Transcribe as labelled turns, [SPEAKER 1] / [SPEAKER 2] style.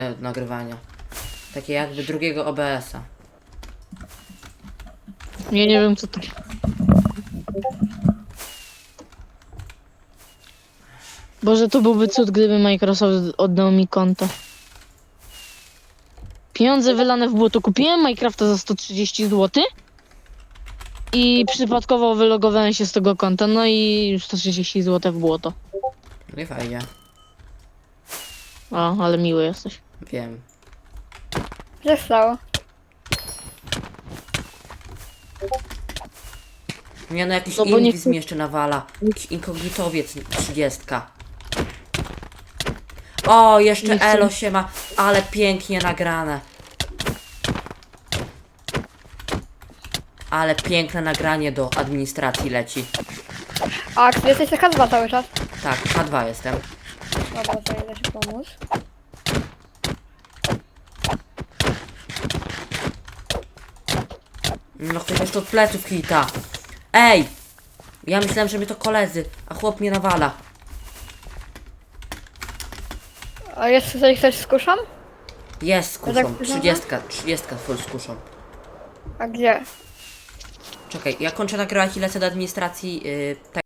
[SPEAKER 1] nagrywania. Takie jakby drugiego OBS-a.
[SPEAKER 2] Ja nie wiem co to. Boże, to byłby cud, gdyby Microsoft oddał mi konto. Pieniądze wylane w błoto. Kupiłem Minecrafta za 130 zł i przypadkowo wylogowałem się z tego konta, no i 130 zł w błoto.
[SPEAKER 1] No i fajnie.
[SPEAKER 2] O, ale miły jesteś.
[SPEAKER 1] Wiem.
[SPEAKER 3] Co się stało?
[SPEAKER 1] Nie no, jakiś
[SPEAKER 2] No bo nie
[SPEAKER 1] inwizm mi jeszcze nawala. Jakiś inkognitowiec 30. O, jeszcze
[SPEAKER 2] Nie chcę.
[SPEAKER 1] Elo się ma, ale pięknie nagrane. Ale piękne nagranie do administracji leci.
[SPEAKER 3] A, czy jesteś taka dwa cały czas?
[SPEAKER 1] Tak, H2 jestem.
[SPEAKER 3] Dobra, to idę ci pomóc.
[SPEAKER 1] No ktoś jeszcze od pleców hita. Ej! Ja myślałem, że mnie to koledzy, a chłop mnie nawala.
[SPEAKER 3] A jest tutaj ktoś z kuszą?
[SPEAKER 1] Jest z kuszą,
[SPEAKER 3] tak
[SPEAKER 1] 30 full z kuszą.
[SPEAKER 3] A gdzie?
[SPEAKER 1] Czekaj, ja kończę nagrywać i lecę do administracji